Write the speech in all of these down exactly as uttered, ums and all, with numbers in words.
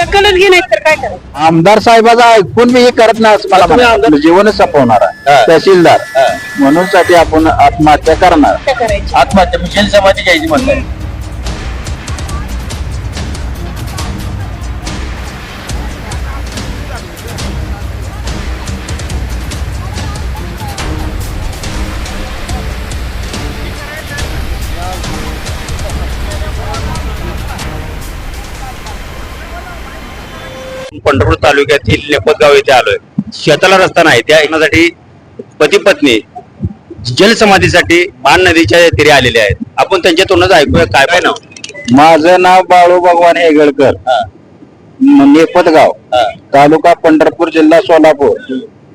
दखलच घे नाही तर काय करायचं. आमदार साहेबाचा ऐकून मी हे करत नाही असं मला तुम्ही म्हणायचं. आमदार- आपलं जीवनच संपवणार आहे हा. तहसीलदार हा. म्हणून साठी आपण आत्महत्या करणार. काय करायची. आत्महत्या मिशेल समाधी घ्यायची म्हणताय. पंढरपूर तालुक्यातील लेपतगाव येथे आलोय. शेताला रस्ता नाही, त्या येण्यासाठी पती पत्नी जलसमाधीसाठी मान नदीच्या तीरे आलेले आहेत. आपण त्यांच्या तोंडात ऐकूया काय काय नाव. माझं नाव बाळू भगवान हेगळकर, हा, नेपतगाव, हा, तालुका पंढरपूर, जिल्हा सोलापूर.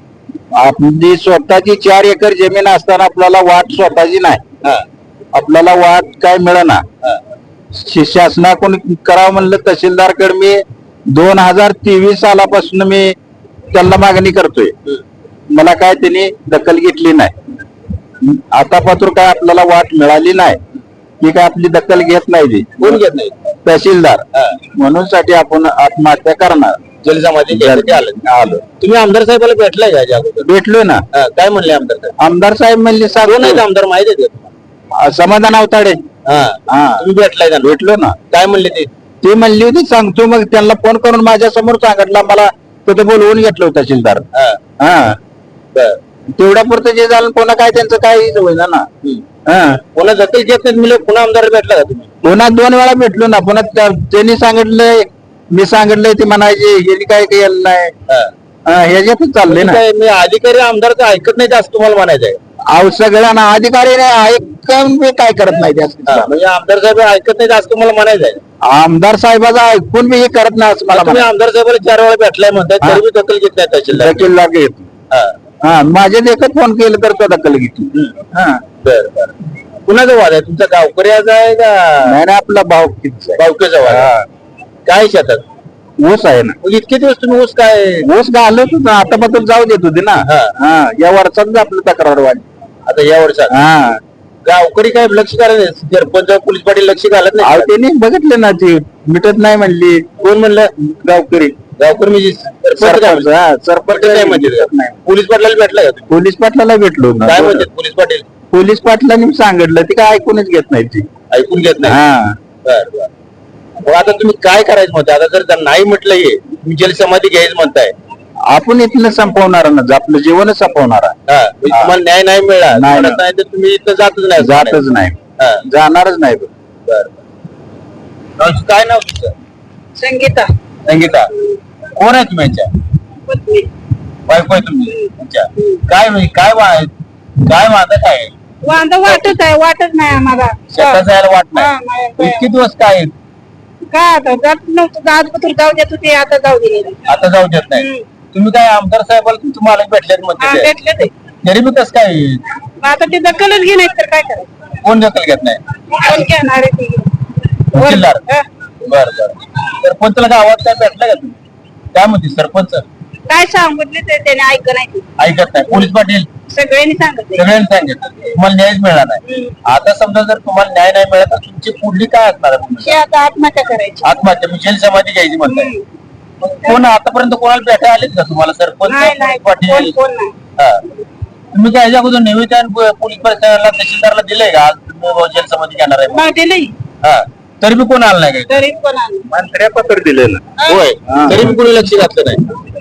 आपली स्वतःची चार एकर जमीन असताना आपल्याला वाट स्वतःची नाही. हा, आपल्याला वाट काय मिळेना. हा, शि- शासनाकडून करावं म्हणलं तहसीलदारकडे मी दोन हजार तेवीस सालापासून मी त्यांना मागणी करतोय. मला काय त्यांनी दखल घेतली नाही. आता पात्र काय आपल्याला वाट मिळाली नाही. ती काय आपली दखल घेत नाही ती. कोण घेत नाही. तहसीलदार हा. म्हणून साठी आपण आत्महत्या करणार. जलसमाधी घ्यायसाठी आलं. आलो तुम्ही आमदार साहेबाला भेटलाय का याच्या अगोदर? भेटलोय ना. हा, काय म्हणले आमदार साहेब? आमदार साहेब म्हणले कोण आहेत सांगू आमदार माहिती आहे का तुम्हाला? समाधान अवताडे. हा, हा तुम्ही भेटलाय का? भेटलो ना. काय म्हणले ते? ते म्हणली होती सांगतो, मग त्यांना फोन करून माझ्या समोर सांगितलं. मला तिथे बोलवून घेतलं होतं तहसीलदार. हा, हा बर. तेवढ्या पुरतं जे झालं पुन्हा काय त्यांचं काही होईना ना. हम्म. हा कोणा दखल घेत नाही म्हणजे पुन्हा आमदार भेटला का तुम्ही? पुन्हा दोन वेळा भेटलो ना. पुन्हा त्या- त्यांनी सांगितलंय, मी सांगितलंय, ते म्हणायचे हे काय केलं नाही. हा. हा, ह्याच्यातच चाललंय ना. काय मी अधिकारी आमदारचं ऐकत नाही असं तुम्हाला म्हणायचं आहे? अहो सगळ्यांना अधिकारी नाही ऐकून मी काय करत नाही हा, त्या. म्हणजे आमदार साहेब ऐकत नाही असं तुम्हाला म्हणायचं आहे? आमदार साहेबाचा ऐकून मी हे करत नाही असं मला तुम्ही म्हणा. आमदार साहेबाला चार वेळा भेटलाय म्हणताय हा. तरी मी दखल घेत नाही तहसीलदार. दखल लागेल. हा, हा माझ्या देखत फोन केलं तर तो दखल घेतली. हा बर बर. कुणाचा वाद आहे तुमचा? गावकऱ्याचा आहे का नाही नाही, आपला भाव किती बावकेचा वाद आहे? काय शेतात ऊस आहे ना. मग इतके दिवस तुम्ही ऊस काय ऊस घालत होता, आता बद्दल जाऊ देत होते ना. हा. हा या वर्षात आपलं तक्रार वाढली. आता या वर्षात हा गावकरी काय लक्ष घालत नाही? सरपंच पोलीस पाटील लक्ष घालत अहो नाही? त्यांनी बघितले ना, ती मिटत नाही म्हणली. कोण म्हणलं? गावकरी गावकरी म्हणजे सरपंच काय सरपंच म्हणले? हा, सरपंच पटेल काय म्हणते? मिटत नाही. पोलीस पाटलाला भेटला का तुम्ही? पोलीस पाटलाला भेटलो ना. काय म्हणते पोलीस पाटील? पोलीस पाटलांनी सांगितलं, ती काय ऐकूनच घेत नाही ती. ऐकून घेत नाही. हा बर बर. मग आता तुम्ही काय करायचं म्हणताय? आता जर त्यांना नाही म्हटलं हे तुम्ही जलसमाधी घ्यायचं म्हणताय, आपण इथलं संपवणार ना, आपलं जीवनच संपवणार आहे. हा, म्हणजे तुम्हाला न्याय नाही मिळाला नाही. तुम्हाला नाही तर तुम्ही इथं जातच नाही. जातच नाही, हा, जाणारच नाही. बर बर. काय नाव तुमचं? संगीता संगीता. कोण आहे तुम्ही यांच्या? पत्नी. बायको आहे तुम्ही अच्छा. काय म्हणजे काय वा- काय माझं काय वांदा वाटत आहे, वाटत नाही आम्हाला. शेतात जायला वाट हा, नाही. नाही. इतके दिवस काय काय आता जात नव्हतं, आज पत्र जाऊ देत होते, आता जाऊ दिले नाही. आता जाऊ देत नाही? हम्म. तुम्ही काय आमदार साहेबाला तुमचे मालक भेटलेत हा, म्हणते ते? भेटले ते. तरी मी कसं काय मग आता ते दखलच घे नाही तर काय करायचं. कोण दखल घेत नाही? कोण घेणार आहे ते? तहसीलदार. हा. बर बर. सरपंचला गावात काय भेटलं का तुम्ही? काय म्हणते सरपंच? काय सांगितले ते त्याने ऐक नाही ते. ऐकत नाही. पोलीस पाटील सगळ्यांनी सांगितले. सगळ्यांनी सांगितलं तुम्हाला न्यायच मिळाला नाही. हम्म. आता समजा जर तुम्हाला न्याय नाही मिळाला तर तुमची पुढली काय असणार आहे हे भूमिका? आता आत्महत्या करायची. आत्महत्या म्हणजे जलसमाधी घ्यायची म्हणताय. हम्म. मग कोण आतापर्यंत कोणाला भेटायला आलेत का तुम्हाला? सरपंच नाही नाही, पोलीस कोण पाटील? कोण नाही. हा. तुम्ही काय याच्या अगोदर निवेदन प- पोलीस प्रशासनाला तहसीलदारला दिलंय का आज तुम्ही जलसमाधी घेणार आहे? मग दिले हा. तरी बी कोण आलं नाही काय? तरी कोण आलं. मंत्र्या पत्र दिलेलं. हा. होय. हा. तरी बी कोणी लक्ष घातलं नाही.